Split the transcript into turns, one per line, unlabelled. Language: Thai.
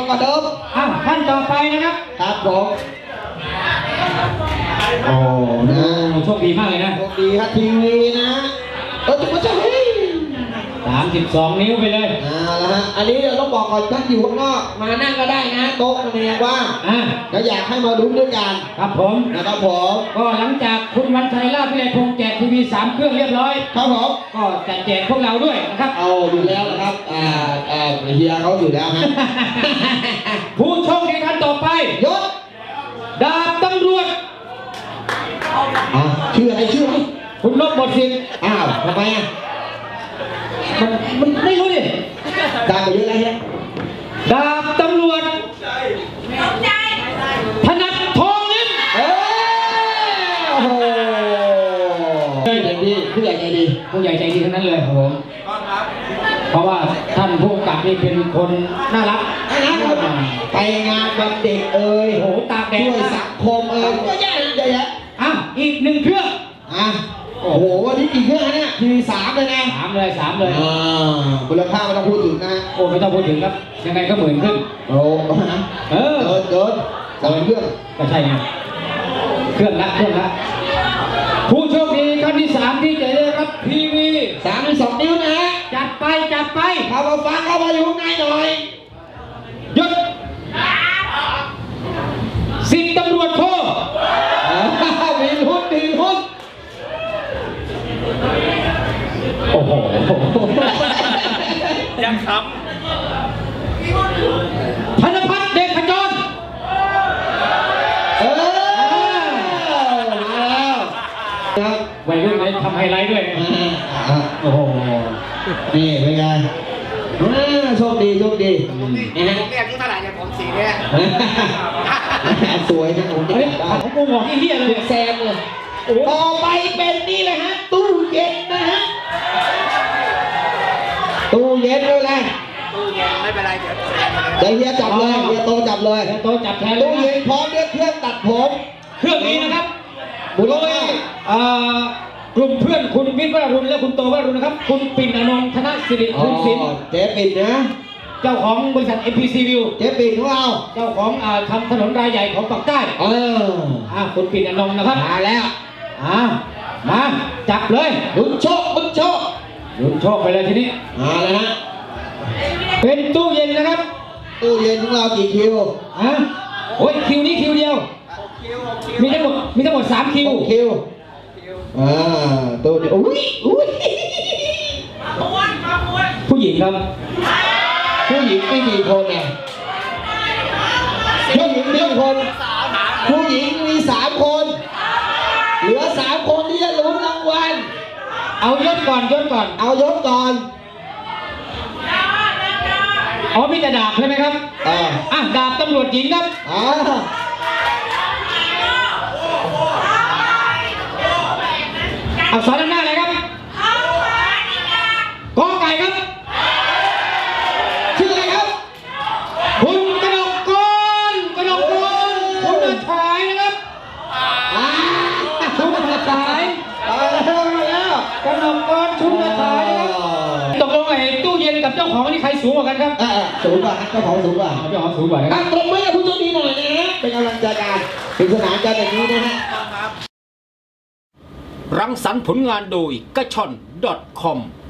ก็เดิม
ท่านต่อไปนะครับ
ครับผมโอ้นะ
โชคดีมากเลยนะ
โชคดีครับทีวีนะจุ๊บจ้า
32 นิ้วไปเลย
แล้วฮะอันนี้เราต้องบอกก่อนท่านอยู่ข้างนอกมานั่งก็ได้นะโต๊ะมันยังว่างแล้วอยากให้มาลุ้นด้วยกัน
ครับผม
นะครับผม
ก็หลังจากคุณวันชัยลาภวิไลพงษ์แจกทีวี3 เครื่องเรียบร้อย
ครับผม
ก็จะแจกพวกเราด้วยนะครับ
เอาอยู่แล้วนะครับเฮียเขาอยู่แล้วฮะ
ผู้โชคดีท่านต่อไป
ยศ
ดาบตำรวจ
ชื่ออะไรชื่ออะไร
คุณลบหมดสิทธิ์
ทำไม
มันไม่รู้ดิ
ดาบไปเยอะแล้วฮะ
ดาบตำรวจถนัดทองลิ้ม
โอ้โหใจดีผู้ใหญ่ใจดี
ผู้ใหญ่ใจดีทั้งนั้นเลยครับผมเพราะว่าท่านผู้กำกับนี่เป็นคนน่ารัก
ไปงานวันเด็ก
โหตากแดด
ช่วยสังคมก็แย่เลยแย่
อีก1 เครื่อง
โอ้โหวันนี้กี่เครื่องเนี่ยที3เลยนะ
3เลย
มูลค่าไม่ต้องพูดถึงนะ
โอ้ไม่ต้องพูดถึงครับยังไงก็10,000ขึ้น
โอ้เกิน3 เครื่อง
ก็ใช่ไงเครื่องละผู้โชคดีท่านที่3ที่จะได้รับทีวี
32 นิ้วนะฮะ
จัดไป
เข้ามาฟังเข้ามาอยู่ข้างในหน่อย
หยุด10 ตำรวจโท
มีหุ้น
โอ้โห
ยังข
ำธนพัฒน์เดชขจรวัยรุ่นเลยทำไฮไลท์ด้วยโอ้โห
นี่เป็นไงโชคดี
ผมเนี่ยที่เท่าไหร่เนี่ยผมสีเนี่ย
สวยนะผม
ของกูบอกที่เฮียเลย
แซมเลยต่อไปเป็นนี่เลยฮะตู้เย็นนะฮะตู้เย็นเลยนะ
ตู้เย็นไม่เป็นไรเ
ดี๋ยวเฮียจับเลยเฮียโตจับเลย
โตจับแทน
ตู้เย็นพร้อมด้วยเครื่องตัดผม
เครื่องนี้นะครับบุรุษกลุ่มเพื่อนคุณวิทย์วรุณและคุณโตวรุณนะครับคุณปิ่นอนงค์ธนสิริคุณศิลป์
เจ๊ปิ่นนะ
เจ้าของบริษัท MPC View
เจ๊ปิ่นของเรา
เจ้าของทำถนนรายใหญ่ของปากใต้คุณปิ่นอนงค์นะครับ
มาแล้ว
มาจับเลย
ลุ้นโชค
ไปเลยทีนี้
เลยฮะ
เป็นตู้เย็นนะครับ
ตู้เย็นของเรากี่คิว
โอ้ยคิวนี้คิวเดียวมีทั้งหมด3 คิว
ตู้เดียว
ผู้หญิงครับ
ผู้หญิงไม่กี่คนไงผู้หญิง1 คนผู้หญิงมี3 คนเหลือ3 คนที่จะลุ้นรางวัล
เอายศก่อน
เอายศก่อน
มีแต่ดาบใช่ไหมครับดาบตำรวจหญิงครับอักษรด้านหน้าอะไรครับกอไก่ครับ
ชื่ออะไรครับ
คุณกนกกรคุณอาชายนะครับชุมอาชายกนกกรชุมอาชายนะครับตกลงไอ้ตู้เย็นกับเจ้าของนี่ใครสูงกว่ากันครับ
สูงกว่าเจ้าของสูงกว่า
นะครับ
ตบมือให้ผู้โชคดีหน่อยนะฮะเป็นกำลังใจกันเป็นสนานกันแบบนี้นะฮะ
รังสรรค์ผลงานโดยกระชอน.com